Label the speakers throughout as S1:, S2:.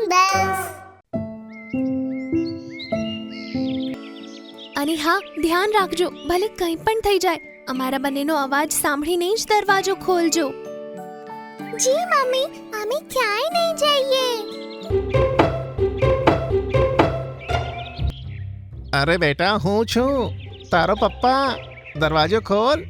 S1: bells.
S2: અને હા, ધ્યાન રાખજો, ભલે કંઈ પણ થઈ જાય, અમારા બંનેનો અવાજ સાંભળીને જ દરવાજો ખોલજો.
S1: જી મમ્મી, અમે ક્યાંય નહીં જઈએ.
S3: અરે બેટા, હું છું તારો પપ્પા. દરવાજો ખોલ.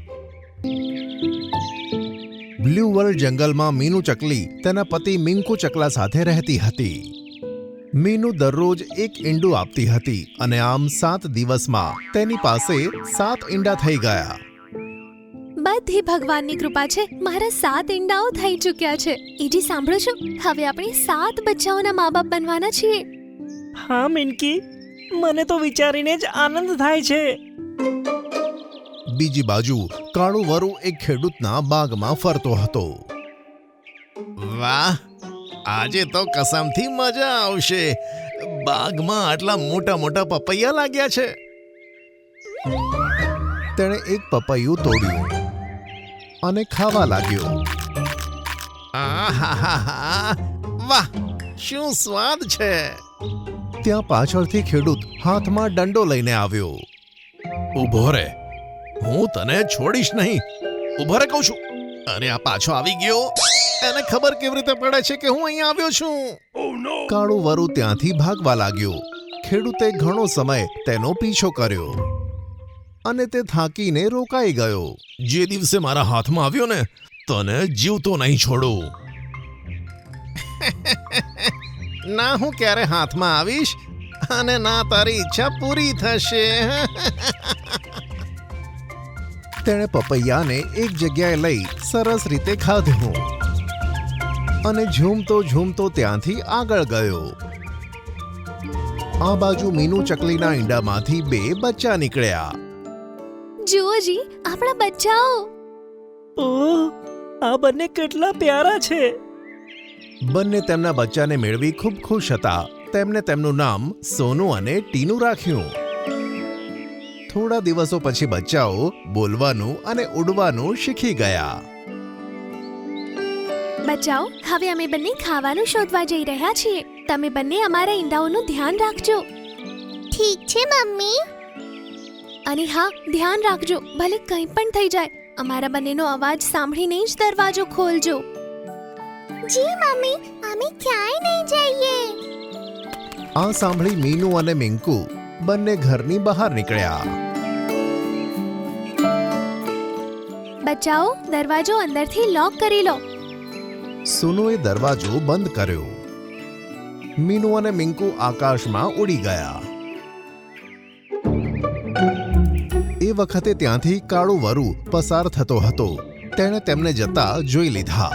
S3: બ્લુ વર્લ્ડ જંગલમાં મીનુ ચકલી તેના પતિ મિંકુ ચકલા સાથે રહેતી હતી. મીનુ દરરોજ એક ઈંડું આપતી હતી અને આમ 7 દિવસમાં તેની પાસે 7 ઈંડા થઈ ગયા.
S2: બધી ભગવાનની કૃપા છે, મારા 7 ઈંડાઓ થઈ ચૂક્યા છે. એજી સાંભળો છો, હવે આપણે 7 બચ્ચાઓના મા બાપ બનવાના છીએ.
S4: હા મિનકી, મને તો વિચારીને જ આનંદ થાય છે.
S3: બીજી બાજુ કાળુ વરુ એક ખેડૂતના બાગમાં ફરતો હતો. વાહ, આજે તો કસમથી મજા આવશે. બાગમાં આટલા મોટા મોટા પપૈયા લાગ્યા છે. તેણે એક પપૈયું તોડ્યું અને ખાવા લાગ્યો. આહાહાહા, વાહ, શું સ્વાદ છે. ત્યાં પાછળથી ખેડૂત હાથમાં દંડો લઈને આવ્યો. ઊભો રે, હું તને છોડીશ નહીં. ઊભો રે કહું છું. અરે આ પાછો આવી ગયો. એને ખબર કેવી રીતે પડે છે કે હું અહીં આવ્યો છું? કાળુ વરુ ત્યાંથી ભાગવા લાગ્યો. ખેડૂતે ઘણો સમય તેનો પીછો કર્યો અને તે થાકીને રોકાઈ ગયો. જે દિવસે મારા હાથમાં આવ્યો ને, તને જીવતો નહીં છોડું. ના હું ક્યારે હાથમાં આવીશ અને ના તારી ઈચ્છા પૂરી થશે. તેણે પપૈયાને એક જગ્યાએ લઈ સરસ રીતે ખાધું અને ઝૂમતો ઝૂમતો ત્યાંથી આગળ ગયો. આ બાજુ મીનુ ચકલીના ઈંડામાંથી 2 બચ્ચા નીકળ્યા.
S2: જુઓ જી, આપણા બચ્ચાઓ.
S4: ઓહ, આ બંને કેટલા પ્યારા છે.
S3: બંને તેમના બચ્ચાને મેળવી ખૂબ ખુશ હતા. તેમને તેમનું નામ સોનુ અને ટીનુ રાખ્યું. થોડા દિવસો પછી બચ્ચાઓ બોલવાનું અને ઉડવાનું શીખી ગયા.
S2: બચ્ચાઓ, હવે અમે બંને ખાવાનું શોધવા જઈ રહ્યા છીએ. તમે બંને અમારા ઈંડાઓનું ધ્યાન રાખજો.
S1: ઠીક છે મમ્મી.
S2: અને હા, ધ્યાન રાખજો, ભલે કંઈ પણ થઈ જાય, અમારા બંનેનો અવાજ સાંભળીને જ દરવાજો ખોલજો.
S1: જી મમ્મી, અમે ક્યાંય નહીં જઈએ.
S3: આ સાંભળી મીનુ અને મિંકુ બંને ઘરની બહાર નીકળ્યા.
S2: બચ્ચાઓ, દરવાજો અંદરથી લોક કરી લો.
S3: સોનુએ દરવાજો બંધ કર્યો. મીનુ અને મિંકુ આકાશમાં ઉડી ગયા. એ વખતે ત્યાંથી કાળુ વરુ પસાર થતો હતો. તેણે તેમને જતા જોઈ લીધા.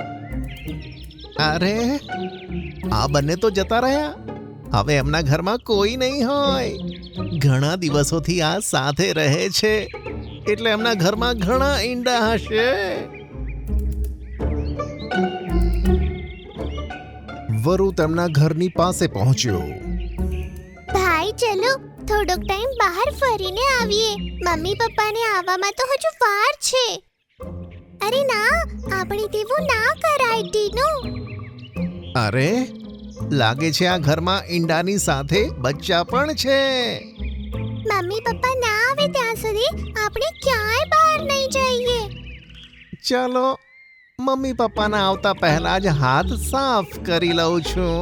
S3: અરે, આ બંને તો જતા રહ્યા. હવે એમના ઘરમાં કોઈ નહીં હોય. ઘણા દિવસોથી આ સાથે રહે છે, એટલે એમના ઘરમાં ઘણા ઈંડા હશે. વરુ તેમના ઘરની પાસે પહોંચ્યો.
S1: ભાઈ, ચલો થોડોક ટાઈમ બહાર ફરીને આવીએ. મમ્મી પપ્પાને આવવામાં તો હજુ વાર છે. અરે ના, આપણે તેવું ના કરાય ટીનુ.
S3: અરે, લાગે છે આ ઘરમાં ઈંડાની સાથે બચ્ચા પણ છે.
S1: મમ્મી પપ્પા ના આવે ત્યાં સુધી આપણે ક્યાંય બહાર નહીં જઈએ.
S3: ચાલો, મમ્મી પપ્પાના આવતા પહેલા જ હાથ સાફ કરી લઉં છું.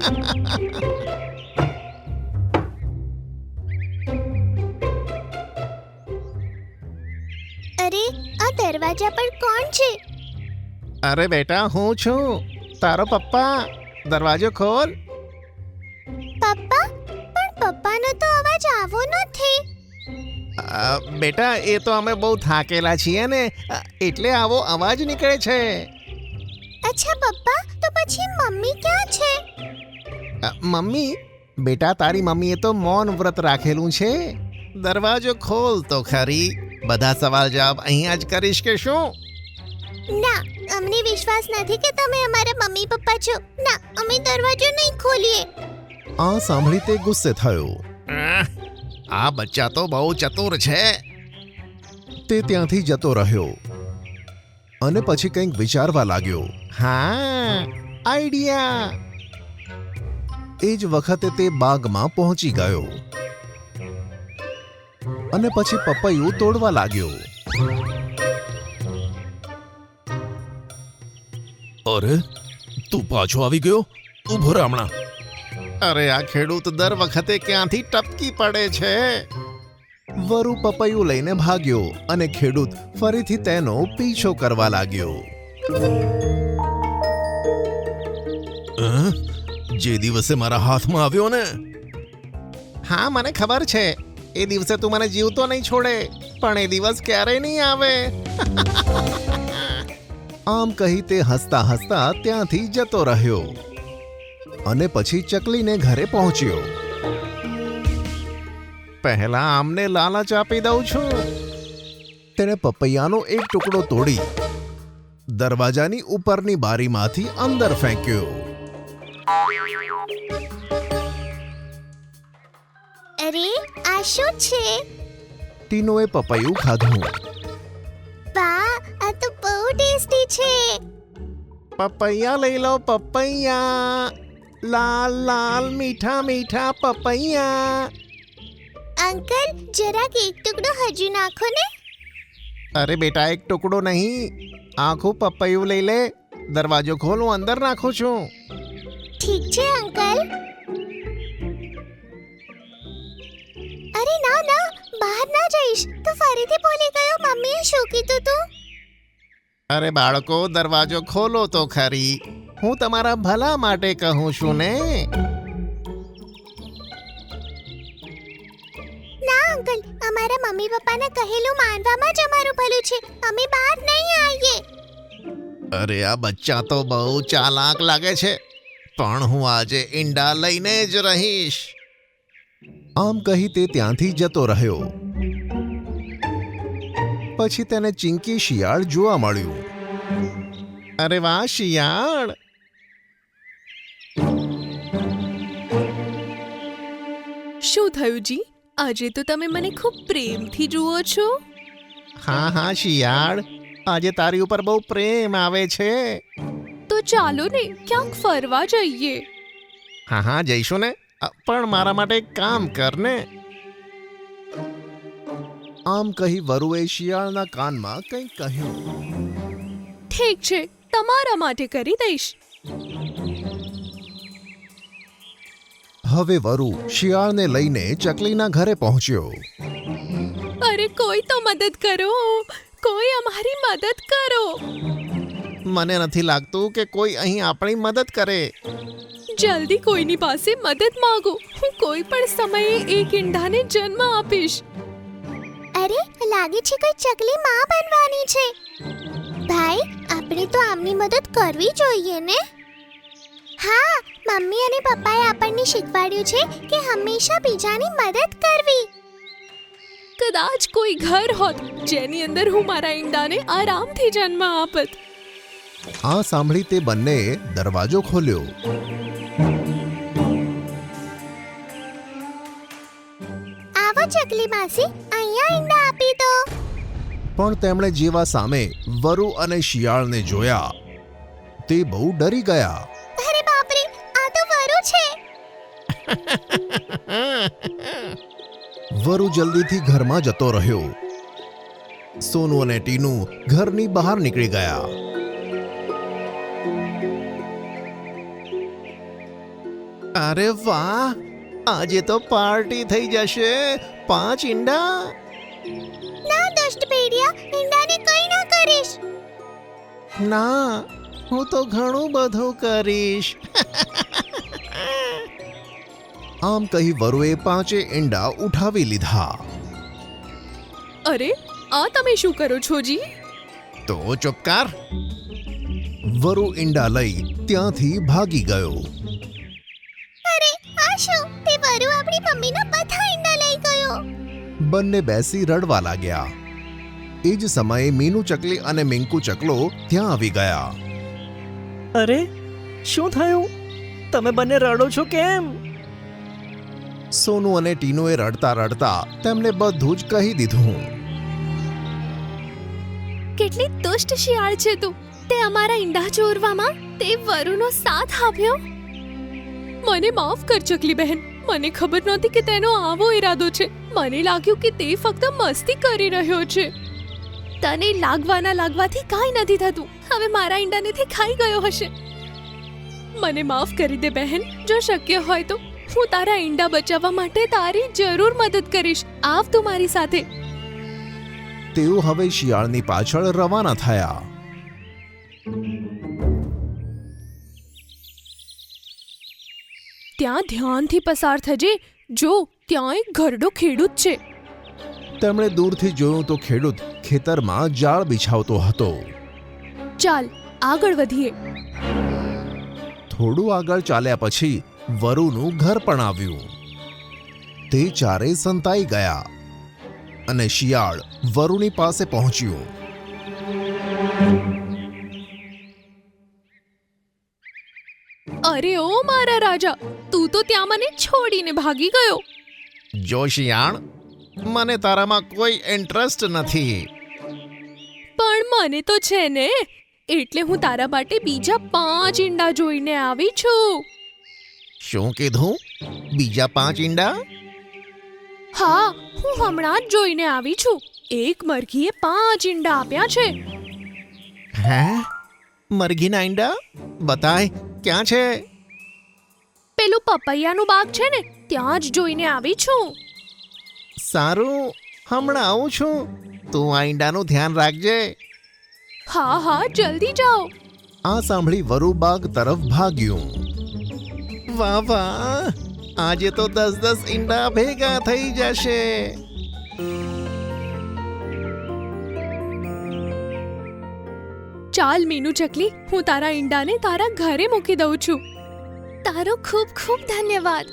S1: અરે, આ દરવાજા પર કોણ છે?
S3: અરે બેટા, હું છું તારો પપ્પા. દરવાજો ખોલ.
S1: પપ્પા, પણ પપ્પાનો તો અવાજ આવો નથી.
S3: બેટા, એ તો અમે બહુ થાકેલા છીએ ને, એટલે આવો અવાજ નીકળે છે.
S1: અચ્છા પપ્પા, તો પછી મમ્મી ક્યાં છે?
S3: મમ્મી? બેટા, તારી મમ્મીએ તો મૌન વ્રત રાખેલું છે. દરવાજો ખોલ તો ખરી. બધા સવાલ જવાબ અહીંયા જ કરીશ કે શું?
S1: ના, અમને વિશ્વાસ નથી કે તમે અમારા મમ્મી પપ્પા છો. ના, અમે દરવાજો નહીં ખોલીએ.
S3: આ સાંભળી તે ગુસ્સે થયો. આ બચ્ચા તો બહુ ચતુર છે. તે ત્યાંથી જતો રહ્યો અને પછી કંઈક વિચારવા લાગ્યો. હા, આઈડિયા. એ જ વખતે તે બાગમાં પહોંચી ગયો અને પછી પપૈયું તોડવા લાગ્યો. અરે, તું પાછો આવી ગયો? ઊભો રહે હમણાં. અરે, આ ખેડૂત દર વખતે ક્યાંથી ટપકી પડે છે. વરુ પપૈયું લઈને ભાગ્યો અને ખેડૂત ફરીથી તેનો પીછો કરવા લાગ્યો. જે દિવસે મારા હાથમાં આવ્યો ને. હા, મને ખબર છે. એ દિવસે તું મને જીવતો નહીં છોડે, પણ એ દિવસ ક્યારેય નહીં આવે. આમ કહી તે હસતા હસતા ત્યાંથી જતો રહ્યો અને પછી ચકલીને ઘરે પહોંચ્યો. પહેલા આમને લાલચ આપી દઉં છું. તેણે પપૈયાનો એક ટુકડો તોડી દરવાજાની ઉપરની બારીમાંથી અંદર ફેંક્યો.
S1: અરે, આ શું છે?
S3: ટીનોએ પપૈયું ખાધું.
S1: વાહ, આ તો બહુ ટેસ્ટી છે.
S3: પપૈયા લઈ લો, પપૈયા. લાલ લાલ મીઠા મીઠા પપૈયા.
S1: અંકલ, જરાક એક ટુકડો હજુ નાખો ને.
S3: અરે બેટા, એક ટુકડો નહીં, આખું પપૈયું લઈ લે. દરવાજો ખોલ, હું અંદર નાખું છું.
S1: ઠીક છે અંકલ. અરે ના ના, બહાર ના જઈશ. તું ફરીથી ભૂલી ગયો મમ્મીએ શું કીધું તું?
S3: અરે બાળકો, દરવાજો ખોલો તો ખરી. હું તમારા ભલા માટે કહું છું ને.
S1: ના અંકલ, અમારા મમ્મી પપ્પાને કહેલું માનવામાં જ અમારું ભલું છે. અમે બહાર નહીં આવીએ.
S3: અરે, આ બચ્ચા તો બહુ ચાલાક લાગે છે, પણ હું આજે ઈંડા લઈને જ રહીશ. આમ કહી તે ત્યાંથી જતો રહ્યો. પછી તેને ચિંકી શિયાળ જોવા મળ્યું. અરે વાહ, શિયાળ.
S2: શું થયું જી? આજે તો તમે મને ખૂબ પ્રેમથી જુઓ છો.
S3: હા હા શિયાળ, આજે તારી ઉપર બહુ પ્રેમ આવે છે.
S2: તો ચાલો ને ક્યાંક ફરવા જઈએ.
S3: હા હા જઈશું ને, પણ મારા માટે એક કામ કર ને. આમ કહી વરુએ શિયાળના કાનમાં કંઈક કહ્યું.
S2: ઠીક છે, તમારા માટે કરી દઈશ.
S3: હવે વરુ શિયાળને લઈને ચકલીના ઘરે પહોંચ્યો.
S2: અરે કોઈ તો મદદ કરો, કોઈ અમારી મદદ કરો.
S3: મને નથી લાગતું કે કોઈ અહીં આપણી મદદ કરે.
S2: જલ્દી કોઈની પાસે મદદ માંગો. હું કોઈ પણ સમયે એક ઈંડાને જન્મ આપીશ.
S1: અરે, લાગે છે કોઈ ચકલી માં બનવાની છે. ભાઈ, આપણે તો આમની મદદ કરવી જોઈએ ને. હા, મમ્મી અને પપ્પાએ આપણને શીખવાડ્યું છે કે હંમેશા બીજાની મદદ કરવી.
S2: કદાચ કોઈ ઘર હોત જેની અંદર હું મારા ઈંડાને આરામથી જન્મ આપત.
S3: આ સાંભળી તે બંનેએ દરવાજો ખોલ્યો.
S1: આવો ચકલી માસી, અહીંયા ઈંડા આપી દો.
S3: પણ તેમણે જેવા સામે વરુ અને શિયાળને જોયા તે બહુ ડરી ગયા.
S1: અરે બાપરે, આ તો વરુ છે.
S3: વરુ જલ્દીથી ઘરમાં જતો રહ્યો. સોનુ અને ટીનુ ઘરની બહાર નીકળી ગયા. અરે વાહ, આજે તો પાર્ટી થઈ જશે. 5 ઈંડા.
S1: ના દુષ્ટ ભેડિયા, ઈંડાને કંઈ ના કરીશ.
S3: ના, હું તો ઘણું બધું કરીશ. આમ કહી વરુએ 5 ઈંડા ઉઠાવી લીધા.
S2: અરે, આ તમે શું કરો છો જી?
S3: તો ચૂપ કર. વરુ ઈંડા લઈ ત્યાંથી ભાગી ગયો.
S1: અરે, આ શું? તે વરુ આપણી મમ્મીના બધા ઈંડા લઈ ગયો.
S3: બંને બેસી રડવા લાગ્યા. એ જ સમયે મીનુ ચકલી અને મિંકુ ચકલો ત્યાં આવી ગયા.
S4: અરે, શું થયું? તમે બંને રડો છો કેમ?
S3: સોનુ અને ટીનુએ રડતા રડતા તેમને બધું જ કહી દીધું.
S2: કેટલી દુષ્ટ શિયાળ છે તું. તે અમારા ઈંડા ચોરવામાં તે વરુનો સાથ આપ્યો. મને માફ કર ચકલી બહેન. મને ખબર નહોતી કે તેનો આવો ઈરાદો છે. મને લાગ્યું કે તે ફક્ત મસ્તી કરી રહ્યો છે. તને લાગવાથી કાંઈ નથી થતું. હવે મારા ઈંડાને તે ખાઈ ગયો હશે. મને માફ કરી દે બહેન. જો શક્ય હોય તો હું તારા ઈંડા બચાવવા માટે તારી જરૂર મદદ કરીશ. આવ તું મારી સાથે.
S3: તેઓ હવે શિયાળની પાછળ રવાના થયા.
S2: ત્યાં ધ્યાનથી પસાર થજે. જો ત્યાં એક ઘરડો ખેડૂત છે.
S3: તેમણે દૂરથી જોયું તો ખેડૂત ખેતરમાં જાળ બિછાવતો હતો.
S2: ચાલ આગળ વધીએ.
S3: થોડું આગળ ચાલ્યા પછી વરુનું ઘર પણ આવ્યું. તે ચારે સંતાઈ ગયા અને શિયાળ વરુની પાસે પહોંચ્યું.
S2: અરે ઓ મારા રાજા, તું તો ત્યાં મને છોડીને ભાગી ગયો.
S3: જો શિયાળ, મને તારામાં કોઈ ઇન્ટરેસ્ટ નથી.
S2: પણ મને તો છે ને. એટલે હું તારા માટે બીજા 5 ઈંડા જોઈને આવી છું.
S3: શું કીધું? બીજા 5 ઈંડા?
S2: હા, હું હમણાં જ જોઈને આવી છું. એક મરઘીએ 5 ઈંડા આપ્યા છે.
S3: હે? મરઘીના ઈંડા? બતાય, ક્યાં છે?
S2: પેલું પપૈયાનું બાગ છે ને, ત્યાં જ જોઈને આવી છું.
S3: સારું, હમણાં આવું છું. તું આ ઈંડાનું ધ્યાન રાખજે.
S2: હા હા, જલ્દી જાઓ.
S3: આ સાંભળી વરુ બાગ તરફ ભાગ્યું. વાહ વાહ, આજે તો 10-10 ઈંડા ભેગા થઈ જશે.
S2: ચાલ મીનુ ચકલી, હું તારા ઈંડાને તારા ઘરે મૂકી દઉં છું. તારો ખૂબ ખૂબ ધન્યવાદ.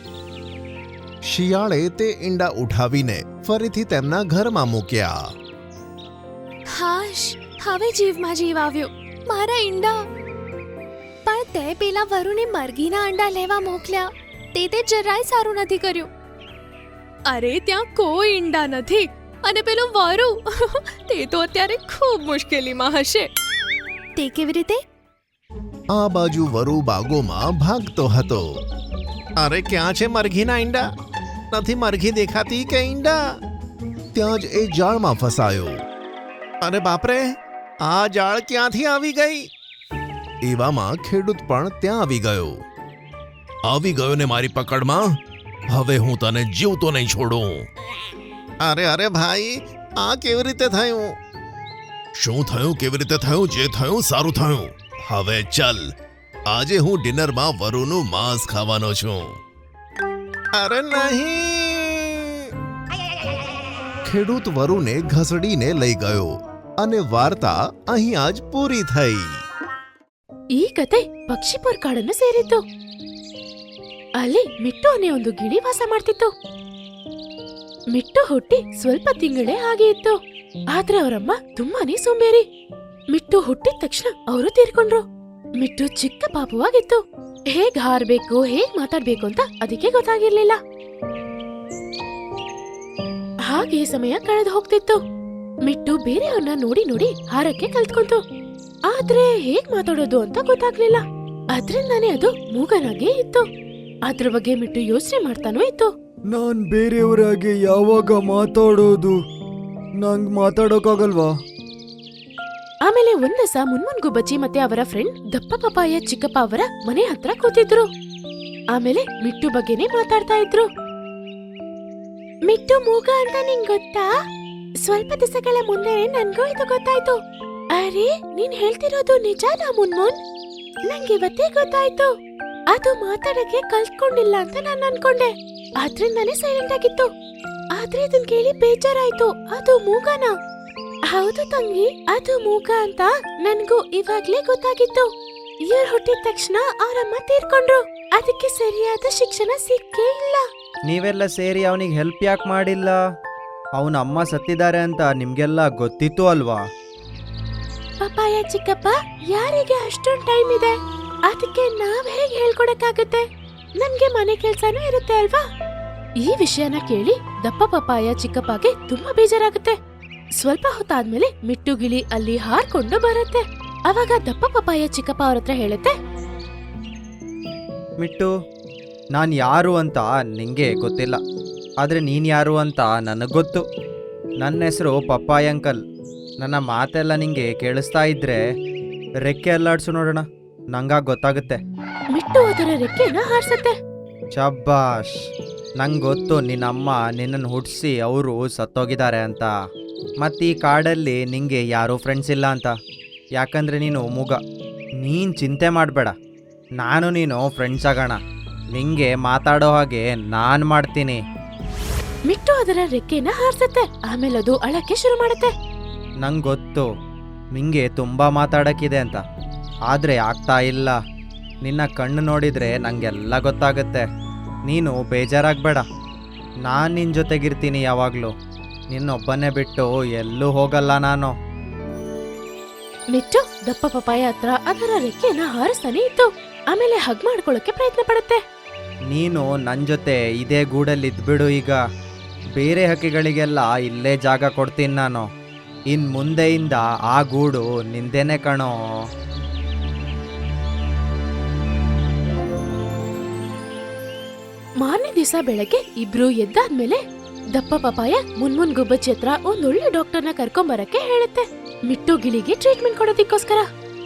S3: શિયાળે તે ઈંડા ઉઠાવીને ફરીથી તેમના ઘરમાં મૂક્યા.
S2: હાશ, હવે જીવમાં જીવ આવ્યો. મારા ઈંડા. પણ તે પેલા વરુને મરઘીના અંડા લેવા મોકલ્યા. તે જરાય સારું નથી કર્યું. અરે ત્યાં કોઈ ઈંડા નથી. અને પેલો વરુ તે તો અત્યારે ખૂબ મુશ્કેલીમાં હશે. તે કેવી રીતે?
S3: આ બાજુ વરુ બાગોમાં ભાગતો હતો. અરે ક્યાં છે મરઘીના ઈંડા? નથી મરઘી દેખાતી કે ઈંડા? ત્યાં જ એ જાળમાં ફસાયો. અરે બાપરે, આ જાળ ક્યાંથી આવી ગઈ? એવામાં ખેડૂત પણ ત્યાં આવી ગયો. આવી ગયો ને મારી પકડમાં. હવે હું તને જીવતો નહીં છોડું. અરે અરે ભાઈ, આ કેવી રીતે થયું? શું થયું? કેવી રીતે થયું? જે થયું સારું થયું. હવે ચલ, આજે હું ડિનરમાં વરુનું માંસ ખાવાનો છું. અરે નહીં! ખેડૂત વરુને ઘસડીને લઈ ગયો અને વાર્તા અહીં આજ પૂરી થઈ.
S5: ಈ ಕತೆ ಪಕ್ಷಿಪುರ ಕಾಡನ್ನು ಸೇರಿತ್ತು. ಅಲ್ಲಿ ಮಿಟ್ಟು ಅನ್ನೋ ಒಂದು ಗಿಳಿ ವಾಸ ಮಾಡ್ತಿತ್ತು. ಮಿಟ್ಟು ಹುಟ್ಟಿ ಸ್ವಲ್ಪ ತಿಂಗಳೇ ಹಾಗೆ ಇತ್ತು. ಆದ್ರೆ ಅವರಮ್ಮ ತುಂಬಾನೇ ಸೋಂಬೇರಿ. ಮಿಟ್ಟು ಹುಟ್ಟಿದ ತಕ್ಷಣ ಅವರು ತೀರ್ಕೊಂಡ್ರು. ಮಿಟ್ಟು ಚಿಕ್ಕ ಪಾಪವಾಗಿತ್ತು. ಹೇಗ್ ಹಾರ್ಬೇಕು, ಹೇಗ್ ಮಾತಾಡ್ಬೇಕು ಅಂತ ಅದಕ್ಕೆ ಗೊತ್ತಾಗಿರ್ಲಿಲ್ಲ. ಹಾಗೆ ಸಮಯ ಕಳೆದು ಹೋಗ್ತಿತ್ತು. ಮಿಟ್ಟು ಬೇರೆಯವ್ರನ್ನ ನೋಡಿ ನೋಡಿ ಹಾರಕ್ಕೆ ಕಲ್ತ್ಕೊಂತು. ಆದ್ರೆ ಹೇಗ್ ಮಾತಾಡೋದು ಅಂತ ಗೊತ್ತಾಗ್ಲಿಲ್ಲ. ಅದ್ರಿಂದಾನೇ ಅದು ಮೂಗನಾಗೆ ಇತ್ತು. ಅದ್ರ ಬಗ್ಗೆ ಮಿಟ್ಟು ಯೋಚನೆ ಮಾಡ್ತಾನೂ ಇತ್ತು.
S6: ನಾನ್ ಬೇರೆಯವರಾಗೆ ಯಾವಾಗ ಮಾತಾಡೋದು? ನಂಗ್ ಮಾತಾಡೋಕಾಗಲ್ವಾ?
S5: ಆಮೇಲೆ ಒಂದಸ ಮುನ್ಮುನ್ ಗುಬ್ಬಚ್ಚಿ ಮತ್ತೆ ಅವರ ಫ್ರೆಂಡ್ ದಪ್ಪ ಪಪಾಯ ಚಿಕ್ಕಪ್ಪ ಅವರ ಮನೆ ಹತ್ರ ಕೂತಿದ್ರು. ಆಮೇಲೆ ಮಿಟ್ಟು ಬಗ್ಗೆನೇ ಮಾತಾಡ್ತಾ ಇದ್ರು. ಮಿಟ್ಟು ಮೂಗ ಅಂತ ನಿಂಗ್ ಗೊತ್ತಾ? ಸ್ವಲ್ಪ ದಿವಸಗಳ ಮುಂದೆ ನನ್ಗೂ ಇದು ಗೊತ್ತಾಯ್ತು. ಅರೆ, ನೀನ್ ಹೇಳ್ತಿರೋದು ನಿಜಾನಾ ಮುನ್ಮುನ್? ನಂಗೆ ಇವತ್ತೇ ಗೊತ್ತಾಯ್ತು. ಅದು ಮಾತಾಡಕ್ಕೆ ಕಲ್ತ್ಕೊಂಡಿಲ್ಲ ಅಂತ ನಾನು ಅನ್ಕೊಂಡೆ. ಆದ್ರಿಂದಾನೇ ಸೈಲೆಂಟ್ ಆಗಿತ್ತು. ಆದ್ರೆ ಇದನ್ ಕೇಳಿ ಬೇಜಾರಾಯ್ತು. ಅದು ಮೂಗನ? ಹೌದು ತಂಗಿ, ಅದು ಮೂಗ ಅಂತ ನನ್ಗೂ ಇವಾಗ್ಲೇ ಗೊತ್ತಾಗಿತ್ತು. ಇವ್ರು ಹುಟ್ಟಿದ ತಕ್ಷಣ ಅವರಮ್ಮ ತೀರ್ಕೊಂಡ್ರು. ಅದಕ್ಕೆ ಸರಿಯಾದ ಶಿಕ್ಷಣ ಸಿಕ್ಕೇ ಇಲ್ಲ.
S6: ನೀವೆಲ್ಲ ಸೇರಿ ಅವನಿಗೆ ಹೆಲ್ಪ್ ಯಾಕೆ ಮಾಡಿಲ್ಲ? ಅವನ ಅಮ್ಮ ಸತ್ತಿದ್ದಾರೆ ಅಂತ ನಿಮ್ಗೆಲ್ಲ ಗೊತ್ತಿತ್ತು ಅಲ್ವಾ?
S5: ಪಪಾಯ ಚಿಕ್ಕಪ್ಪ, ಯಾರಿಗೆ ಅಷ್ಟೊಂದು ಟೈಮ್ ಇದೆ? ಅದಕ್ಕೆ ನಾವ್ ಹೇಗೆ ಹೇಳ್ಕೊಡಕ್ಕಾಗತ್ತೆ? ನಮ್ಗೆ ಮನೆ ಕೆಲ್ಸನೂ ಇರುತ್ತೆ ಅಲ್ವಾ? ಈ ವಿಷಯನ ಕೇಳಿ ದಪ್ಪ ಪಪಾಯ ಚಿಕ್ಕಪ್ಪಗೆ ತುಂಬಾ ಬೇಜಾರಾಗುತ್ತೆ. ಸ್ವಲ್ಪ ಹೊತ್ತಾದ್ಮೇಲೆ ಮಿಟ್ಟು ಗಿಳಿ ಅಲ್ಲಿ ಹಾರ್ಕೊಂಡು ಬರುತ್ತೆ. ಅವಾಗ ದಪ್ಪ ಪಪಾಯ ಚಿಕ್ಕಪ್ಪ ಅವ್ರ ಹತ್ರ ಹೇಳುತ್ತೆ,
S6: ಮಿಟ್ಟು, ನಾನು ಯಾರು ಅಂತ ನಿಂಗೆ ಗೊತ್ತಿಲ್ಲ, ಆದರೆ ನೀನು ಯಾರು ಅಂತ ನನಗೆ ಗೊತ್ತು. ನನ್ನ ಹೆಸರು ಪಪ್ಪಾಯ್ ಅಂಕಲ್. ನನ್ನ ಮಾತೆಲ್ಲ ನಿಂಗೆ ಕೇಳಿಸ್ತಾ ಇದ್ರೆ ರೆಕ್ಕೆ ಅಲ್ಲಾಡ್ಸು ನೋಡೋಣ, ನಂಗಾಗ ಗೊತ್ತಾಗುತ್ತೆ.
S5: ಮಿಟ್ಟು ಅದರ ರೆಕ್ಕೆನ ಹಾರಿಸುತ್ತೆ.
S6: ಶಬ್ಬಾಷ್, ನಂಗೆ ಗೊತ್ತು ನಿನ್ನಮ್ಮ ನಿನ್ನನ್ನು ಹುಟ್ಟಿಸಿ ಅವರು ಸತ್ತೋಗಿದ್ದಾರೆ ಅಂತ. ಮತ್ತು ಈ ಕಾಡಲ್ಲಿ ನಿಂಗೆ ಯಾರೂ ಫ್ರೆಂಡ್ಸ್ ಇಲ್ಲ ಅಂತ, ಯಾಕಂದರೆ ನೀನು ಮೂಗ. ನೀನು ಚಿಂತೆ ಮಾಡಬೇಡ, ನಾನು ನೀನು ಫ್ರೆಂಡ್ಸ್ ಆಗೋಣ. ನಿಂಗೆ ಮಾತಾಡೋ ಹಾಗೆ ನಾನು ಮಾಡ್ತೀನಿ.
S5: ಮಿಟ್ಟು ಅದರ ರೆಕ್ಕೆನ ಹಾರಿಸುತ್ತೆ. ಆಮೇಲೆ ಅದು ಅಳಕ್ಕೆ ಶುರು ಮಾಡುತ್ತೆ.
S6: ನಂಗೆ ಗೊತ್ತು ನಿಂಗೆ ತುಂಬ ಮಾತಾಡೋಕ್ಕಿದೆ ಅಂತ, ಆದರೆ ಆಗ್ತಾ ಇಲ್ಲ. ನಿನ್ನ ಕಣ್ಣು ನೋಡಿದರೆ ನನಗೆಲ್ಲ ಗೊತ್ತಾಗುತ್ತೆ. ನೀನು ಬೇಜಾರಾಗಬೇಡ, ನಾನು ನಿನ್ನ ಜೊತೆಗಿರ್ತೀನಿ ಯಾವಾಗಲೂ. ನಿನ್ನೊಬ್ಬನೇ ಬಿಟ್ಟು ಎಲ್ಲೂ ಹೋಗಲ್ಲ ನಾನು.
S5: ಮಿಟ್ಟು ದಪ್ಪ ಪಪಾಯ ಹತ್ರ ಅದರ ರೆಕ್ಕೆನ ಹಾರಿಸ್ತಾನೆ ಇತ್ತು. ಆಮೇಲೆ ಹಗ್ ಮಾಡ್ಕೊಳ್ಳೋಕೆ ಪ್ರಯತ್ನ ಪಡುತ್ತೆ.
S6: ನೀನು ನನ್ನ ಜೊತೆ ಇದೇ ಗೂಡಲ್ಲಿ ಇದ್ಬಿಡು. ಈಗ ಬೇರೆ ಹಕ್ಕಿಗಳಿಗೆಲ್ಲ ಇಲ್ಲೇ ಜಾಗ ಕೊಡ್ತೀನಿ ನಾನು. ಇನ್ನು ಮುಂದೆಯಿಂದ ಆ ಗೂಡು ನಿಂದೇನೆ ಕಣೋ.
S5: ಮಾರನೇ ದಿವಸ ಬೆಳಗ್ಗೆ ಇಬ್ರು ಎದ್ದಾದ್ಮೇಲೆ ದಪ್ಪ ಪಪಾಯ ಮುನ್ಮುನ್ ಗುಬ್ಬಚ್ಚಿ ಹತ್ರ ಒಂದೊಳ್ಳೆ ಡಾಕ್ಟರ್ನ ಕರ್ಕೊಂಬರಕ್ಕೆ ಹೇಳುತ್ತೆ. ಮಿಟ್ಟು ಗಿಳಿಗೆ ಟ್ರೀಟ್ಮೆಂಟ್ ಕೊಡೋದಿಕ್ಕೋಸ್ಕರ.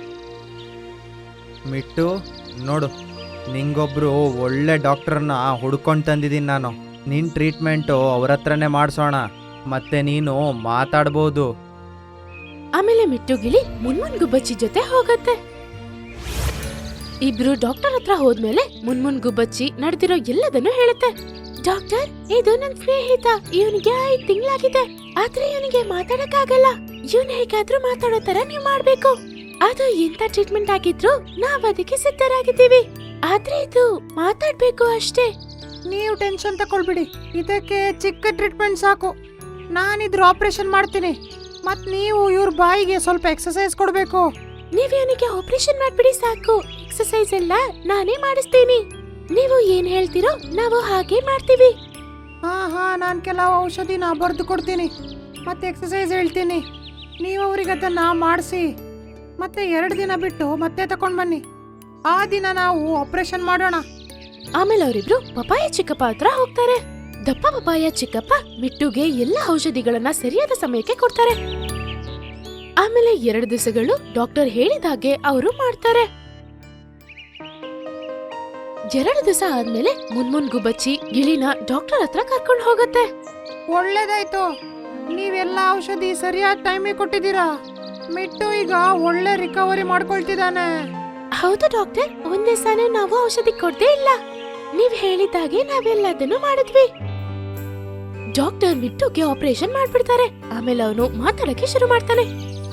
S6: ಮಿಟ್ಟು ನೋಡು, ನಿಂಗೊಬ್ರು ಒಳ್ಳೆ ಡಾಕ್ಟರ್ನ ಹುಡ್ಕೊಂಡು ತಂದಿದ್ದೀನಿ ನಾನು. ನಿನ್ನ ಟ್ರೀಟ್ಮೆಂಟು ಅವ್ರ ಹತ್ರನೇ ಮಾಡಿಸೋಣ, ಮತ್ತೆ ನೀನು ಮಾತಾಡ್ಬೋದು.
S5: ಆಮೇಲೆ ಮಿಟ್ಟು ಗಿಳಿ ಮುನ್ಮುನ್ ಗುಬ್ಬಚ್ಚಿ ಜೊತೆ ಹೋಗತ್ತೆ. ಇಬ್ರು ಡಾಕ್ಟರ್ ಹತ್ರ ಹೋದ್ಮೇಲೆ ಮುನ್ಮುನ್ ಗುಬ್ಬಚ್ಚಿ ನಡೆದಿರೋ ಎಲ್ಲದನ್ನು ಹೇಳುತ್ತೆ. ಡಾಕ್ಟರ್, ಇದು ನನ್ ಸ್ನೇಹಿತ. ಇವನಿಗೆ 5 ತಿಂಗಳಾಗಿದೆ, ಆದ್ರೆ ಇವನಿಗೆ ಮಾತಾಡಕ್ಕಾಗಲ್ಲ. ಇವನ್ ಹೇಗಾದ್ರೂ ಮಾತಾಡೋ ತರ ನೀವ್ ಮಾಡ್ಬೇಕು. ಅದು ಎಂತ ಟ್ರೀಟ್ಮೆಂಟ್ ಆಗಿದ್ರು ನಾವ್ ಅದಕ್ಕೆ ಸಿದ್ಧರಾಗಿದ್ದೀವಿ. ಆದ್ರೆ ಇದು ಮಾತಾಡ್ಬೇಕು ಅಷ್ಟೇ.
S7: ನೀವು ಟೆನ್ಷನ್ ತಗೊಳ್ಬಿಡಿ, ಇದಕ್ಕೆ ಚಿಕ್ಕ ಟ್ರೀಟ್ಮೆಂಟ್ ಸಾಕು. ನಾನಿದ್ರ ಆಪರೇಷನ್ ಮಾಡ್ತೀನಿ. ಮತ್ ನೀವು ಇವ್ರ ಬಾಯಿಗೆ ಸ್ವಲ್ಪ ಎಕ್ಸರ್ಸೈಸ್ ಕೊಡ್ಬೇಕು.
S5: ನೀವ್ ಇವನಿಗೆ ಆಪರೇಷನ್ ಮಾಡ್ಬಿಡಿ ಸಾಕು. ಎಕ್ಸರ್ಸೈಸ್ ಎಲ್ಲ ನಾನೇ ಮಾಡಿಸ್ತೀನಿ. ನೀವು ಏನ್ ಹೇಳ್ತೀರೋ ನಾವು ಹಾಗೆ ಮಾಡ್ತೀವಿ.
S7: ಹಾ ನಾನ್ ಕೆಲವು ಔಷಧಿನ ಬರೆದು ಕೊಡ್ತೀನಿ, ಮತ್ತೆ ಎಕ್ಸರ್ಸೈಸ್ ಹೇಳ್ತೀನಿ. ನೀವು ಅವ್ರಿಗೆ ಅದನ್ನ ಮಾಡಿಸಿ ಮತ್ತೆ 2 ದಿನ ಬಿಟ್ಟು ಮತ್ತೆ ತಕೊಂಡ್ ಬನ್ನಿ. ಆ ದಿನ ನಾವು ಆಪರೇಷನ್ ಮಾಡೋಣ.
S5: ಆಮೇಲೆ ಅವರಿಬ್ರು ಪಪಾಯ ಚಿಕ್ಕಪ್ಪ ಹತ್ರ ಹೋಗ್ತಾರೆ. ದಪ್ಪ ಪಪಾಯ ಚಿಕ್ಕಪ್ಪ ಮಿಟ್ಟುಗೆ ಎಲ್ಲ ಔಷಧಿಗಳನ್ನ ಸರಿಯಾದ ಸಮಯಕ್ಕೆ ಕೊಡ್ತಾರೆ. ಆಮೇಲೆ 2 ದಿವಸಗಳು ಡಾಕ್ಟರ್ ಹೇಳಿದಾಗೆ ಅವರು ಮಾಡ್ತಾರೆ. 2 ದಿವಸ ಆದ್ಮೇಲೆ ಮುನ್ಮುನ್ ಗುಬ್ಬಚ್ಚಿ ಗಿಳಿನ ಡಾಕ್ಟರ್ ಹತ್ರ ಕರ್ಕೊಂಡು ಹೋಗತ್ತೆ.
S7: ಒಳ್ಳೇದಾಯ್ತು, ನೀವೆಲ್ಲ ಔಷಧಿ ಸರಿಯಾದ ಟೈಮಿಗೆ ಕೊಟ್ಟಿದ್ದೀರಾ. ಮಿಟ್ಟು ಈಗ ಒಳ್ಳೆ ರಿಕವರಿ ಮಾಡ್ಕೊಳ್ತಿದ್ದಾನೆ.
S5: ಹೌದು ಡಾಕ್ಟರ್, ಒಂದ್ ದಿವಸನೂ ನಾವು ಔಷಧಿ ಕೊಡ್ದೇ ಇಲ್ಲ. ನೀವ್ ಹೇಳಿದಾಗೆ ನಾವೆಲ್ಲದನ್ನು ಮಾಡಿದ್ವಿ. ಡಾಕ್ಟರ್ ಮಿಟ್ಟುಗೆ ಆಪರೇಷನ್ ಮಾಡ್ಬಿಡ್ತಾರೆ. ಆಮೇಲೆ ಅವನು ಮಾತಾಡಕ್ಕೆ ಶುರು ಮಾಡ್ತಾನೆ.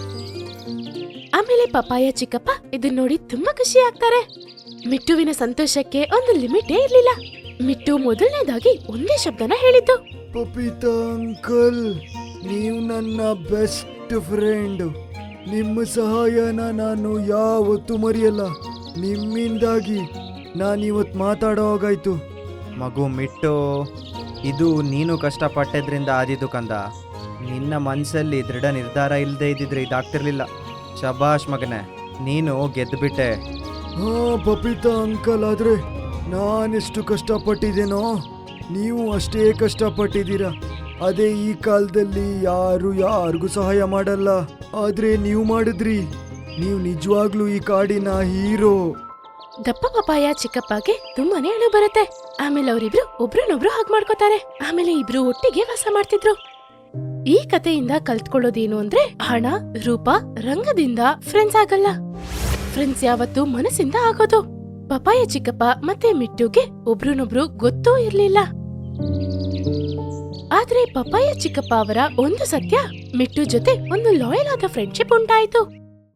S5: ಆಮೇಲೆ ಪಪಾಯ ಚಿಕ್ಕಪ್ಪ ಇದನ್ನ ನೋಡಿ ತುಂಬಾ ಖುಷಿ ಆಗ್ತಾರೆ. ಮಿಟ್ಟುವಿನ ಸಂತೋಷಕ್ಕೆ ಒಂದು ಲಿಮಿಟೇ ಇರ್ಲಿಲ್ಲ. ಮಿಟ್ಟು ಮೊದಲನೇದಾಗಿ ಒಂದೇ ಶಬ್ದನ ಹೇಳಿದ್ದು.
S8: ಪಪೀತಾ ಅಂಕಲ್, ನೀವು ನನ್ನ ಬೆಸ್ಟ್ ಫ್ರೆಂಡ್. ನಿಮ್ಮ ಸಹಾಯನ ನಾನು ಯಾವತ್ತೂ ಮರೆಯಲ್ಲ. ನಿಮ್ಮಿಂದಾಗಿ ನಾನಿವತ್ತು ಮಾತಾಡೋ ಹಾಗಾಯ್ತು.
S6: ಮಗು ಮಿಟ್ಟು, ಇದು ನೀನು ಕಷ್ಟಪಟ್ಟಿದ್ರಿಂದ ಆದಿದ್ದು ಕಂದ. ನಿನ್ನ ಮನಸ್ಸಲ್ಲಿ ದೃಢ ನಿರ್ಧಾರ ಇಲ್ಲದೆ ಇದ್ದಿದ್ರೆ ಇದಾಗ್ತಿರ್ಲಿಲ್ಲ. ಶಬಾಷ್ ಮಗನೇ, ನೀನು ಗೆದ್ದುಬಿಟ್ಟೆ.
S8: ಹಾ ಪಪೀತಾ ಅಂಕಲ್, ಆದ್ರೆ ನಾನೆಷ್ಟು ಕಷ್ಟಪಟ್ಟಿದ್ದೇನೋ ನೀವು ಅಷ್ಟೇ ಕಷ್ಟಪಟ್ಟಿದ್ದೀರಾ. ಅದೇ ಈ ಕಾಲದಲ್ಲಿ ಯಾರು ಯಾರಿಗೂ ಸಹಾಯ ಮಾಡಲ್ಲ, ಆದ್ರೆ ನೀವು ಮಾಡಿದ್ರಿ. ನೀವು ನಿಜವಾಗ್ಲೂ ಈ ಕಾಡಿನ ಹೀರೋ.
S5: ದಪ್ಪ ಪಪಾಯ ಚಿಕ್ಕಪ್ಪಗೆ ತುಂಬಾನೇ ಅಳು ಬರುತ್ತೆ. ಆಮೇಲೆ ಅವರಿಬ್ರು ಒಬ್ರನ್ನೊಬ್ರು ಹಾಗೆ ಮಾಡ್ಕೋತಾರೆ. ಆಮೇಲೆ ಇಬ್ರು ಒಟ್ಟಿಗೆ ವಾಸ ಮಾಡ್ತಿದ್ರು. ಈ ಕಥೆಯಿಂದ ಕಲ್ತ್ಕೊಳ್ಳೋದೇನು ಅಂದ್ರೆ, ಹಣ, ರೂಪ, ರಂಗದಿಂದ ಫ್ರೆಂಡ್ಸ್ ಆಗಲ್ಲ. ಫ್ರೆಂಡ್ಸ್ ಯಾವತ್ತೂ ಮನಸ್ಸಿಂದ ಆಗೋದು. ಪಪಾಯ ಚಿಕ್ಕಪ್ಪ ಮತ್ತೆ ಮಿಟ್ಟುಗೆ ಒಬ್ರನ್ನೊಬ್ರು ಗೊತ್ತೂ ಇರ್ಲಿಲ್ಲ. ಆದ್ರೆ ಪಪಾಯ ಚಿಕ್ಕಪ್ಪ ಅವರ ಒಂದು ಸತ್ಯ, ಮಿಟ್ಟು ಜೊತೆ ಒಂದು ಲಾಯಲ್ ಆದ ಫ್ರೆಂಡ್ಶಿಪ್ ಉಂಟಾಯ್ತು.